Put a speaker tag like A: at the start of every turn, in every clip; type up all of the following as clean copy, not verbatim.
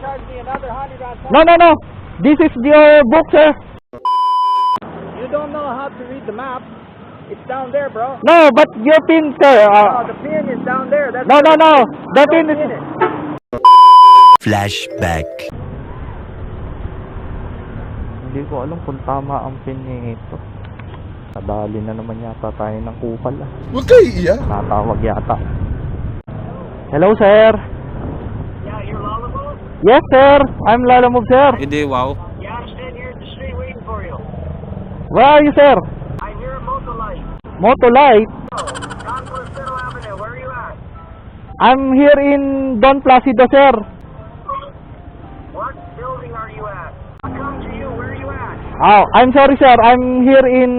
A: charge me another 100 on top.
B: No, no, no. This is your book, sir.
A: You don't know how to read the map. It's down there, bro.
B: No, but your pin, sir.
A: No, the pin is down there. That's
B: No, no, no. The
A: Don't
B: pin is...
A: pin it.
C: Flashback.
B: Hindi ko alam kung tama ang pin nito. Nadali na naman yata tayo ng kupal.
C: Huwag kayo iiyak.
B: Natawag yata. Hello, sir.
A: Yeah, you're Lollapalooza?
B: Yes, sir. I'm Lalamove, sir.
D: Hindi, wow.
A: Yeah, I'm standing here at the street waiting for you.
B: Where are you, sir?
A: I'm here at Motolight.
B: Motolight.
A: Concourse Federal Avenue. Where are you at?
B: I'm here in Don Placido, sir.
A: What building are you at? I'll come to you. Where are you at?
B: Oh, I'm sorry, sir. I'm here in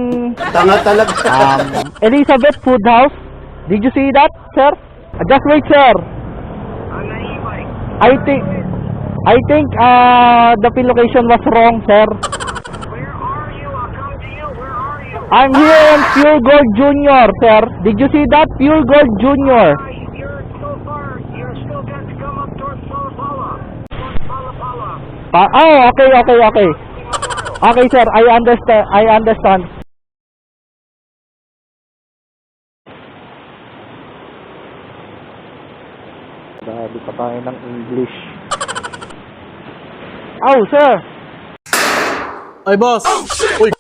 B: Elizabeth Food House. Did you see that, sir? Just wait, sir.
A: On the e-bike.
B: I think the pin location was wrong, sir.
A: Where are you? I'll come to you. Where are you?
B: I'm here in Pure Gold Junior, sir. Did you see that? Pure Gold Junior.
A: You're so far. You're still got to come up towards Pala Pala. Towards Pala Pala.
B: Oh, okay. Okay, sir. I understand. Dahil pa tayo ng English. Oh, sir.
D: Ay, boss! Uy!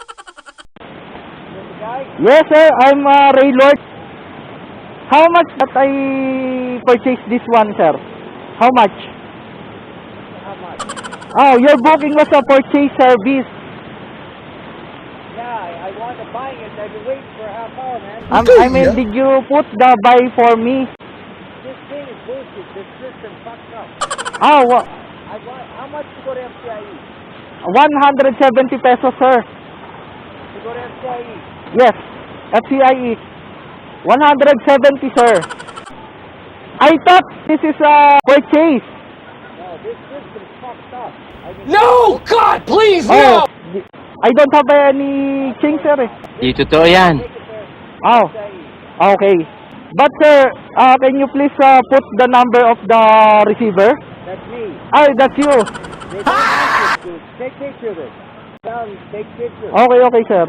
B: Yes, sir. I'm Ray Lord. How much that I purchased this one, sir? How much?
A: How much?
B: Oh, your booking was a purchase service.
A: Yeah, I want to buy it. I've been waiting for a half hour, man.
B: I mean, did you put the buy for me?
A: This thing is bullshit. This system fucked up.
B: Oh,
A: How much to go to FCIE?
B: 170 pesos, sir.
A: To go to FCIE?
B: Yes, FCIE. 170, sir. I thought this is a purchase.
A: No, this system's fucked up.
D: No! God, please,
B: Oh, I don't have any change, sir.
D: Di totoo yan.
A: Take it there.
B: Oh,
A: FCIE.
B: okay. But, sir, can you please put the number of the receiver?
A: That's me.
B: Ah, that's you.
A: They don't want you to. Take picture of it. Tell them, take picture.
B: Okay, sir.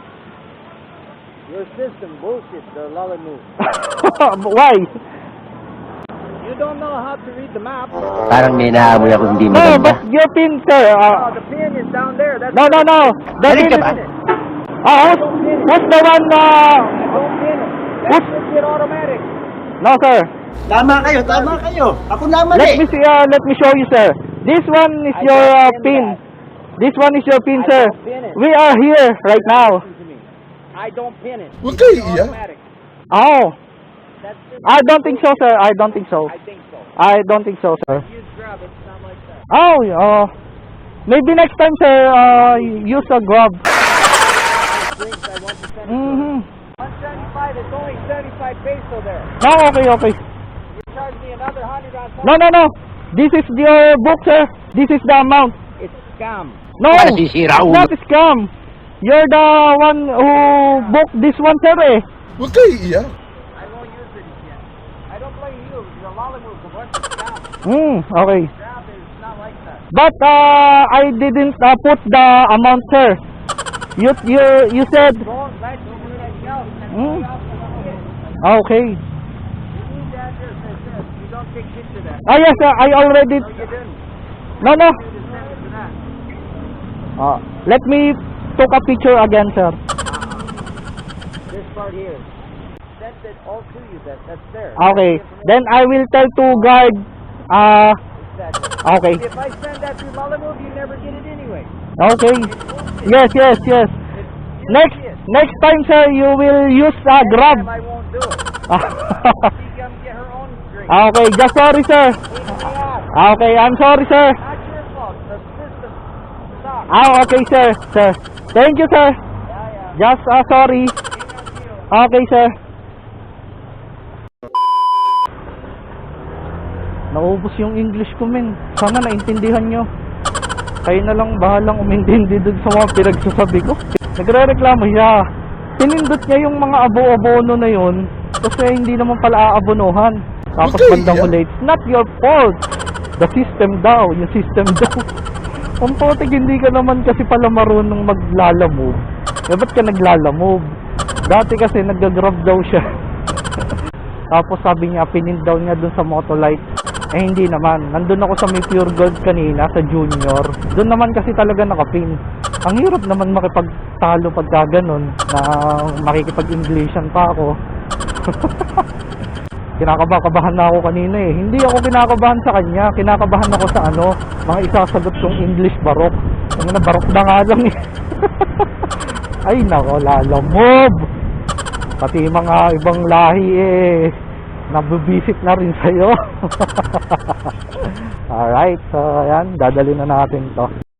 A: Your system bullshit, the Lollapalooza.
B: Why?
A: You don't know how to read the map.
C: Parang may nahamoy ako hindi
B: No,
C: maganda.
B: but your pin, sir.
A: Oh, the pin is down there. That's
B: No. The
C: Galing
B: pin
C: ka ba?
B: is... What's the one,
A: I don't pin it. That should get automatic.
B: No, sir.
E: Tama kayo. Ako naman
B: Let me show you, sir. This one is
A: I
B: your
A: don't pin
B: pin.
A: that.
B: This one is your pin,
A: I
B: sir.
A: don't pin it.
B: We are here right now.
A: Listen to me. I don't pin it.
C: Huwag
A: It's
C: kayo iiyak.
A: automatic.
B: Oh,
A: That's just
B: I don't think so, sir. I don't think so.
A: I think so.
B: I don't think so, sir.
A: Use grab. It's not like that.
B: Oh, maybe next time, sir, use a grab.
A: Drinks, I want to send it to
B: Mm-hmm.
A: 175. It's only 75 peso there.
B: No, okay.
A: You charge me another 100 on top.
B: No. This is your book, sir. This is the amount.
A: It's scam.
B: No,
C: Para
B: it's
C: sisira ulo.
B: not a scam. You're the one who booked this one, sir, eh.
C: Huwag kayo iiyak.
A: I won't use it again. I don't blame you. The Lollapalooza, what's the scam?
B: Okay.
A: Grab is not like that.
B: But I didn't put the amount, sir. You said
A: Don't let me do anything else.
B: Hmm.
A: Anybody else can get it.
B: okay.
A: You need the address that says you don't take picture of that.
B: Ah, yes, sir. I already.
A: No, you didn't.
B: No.
A: You just send it to that.
B: Let me take a picture again, sir.
A: This part here. Sent it all to you. That's there.
B: Okay. Then I will tell to guard.
A: Exactly.
B: Okay.
A: If I send that through Lollapalooza, you never get it anyway.
B: Okay. Yes. Next time, sir, you will use grab.
A: I won't do it. She can get her own drink.
B: Okay. Just sorry, sir.
A: Pain in the ass.
B: Okay. I'm sorry, sir.
A: Not your fault. The system sucks.
B: Okay, sir. Thank you, sir.
A: Yeah.
B: Just sorry. Okay, sir. Naubos yung English ko, men. Sana naintindihan nyo. Kayo na lang bahalang umintindi dun sa mga pinagsasabi ko. Nagre-reklamo siya. Pinindot niya yung mga abo-abono na yun kasi hindi naman pala aabonohan. Tapos
C: Okay,
B: bandang
C: yeah.
B: ulit, it's not your fault. The system daw, yung system daw. Kung putik, hindi ka naman kasi pala marunong maglalamove. Eh, ba't ka naglalamove? Dati kasi nag-grab daw siya. Tapos sabi niya, pinin daw niya dun sa Motolite. Eh, hindi naman. Nandun ako sa may Pure Gold kanina, sa Junior. Doon naman kasi talaga nakapin. Ang hirap naman makipagtalo pagka ganun, na makikipag-Englishan pa ako. Kinakabahan na ako kanina eh. Hindi ako kinakabahan sa kanya. Kinakabahan ako sa mga isasagot kong English barok. Ang barok na nga lang eh. Ay nako, lalamove. Pati mga ibang lahi eh, nabubisit na rin sa'yo. Alright, so ayan, dadali na natin to.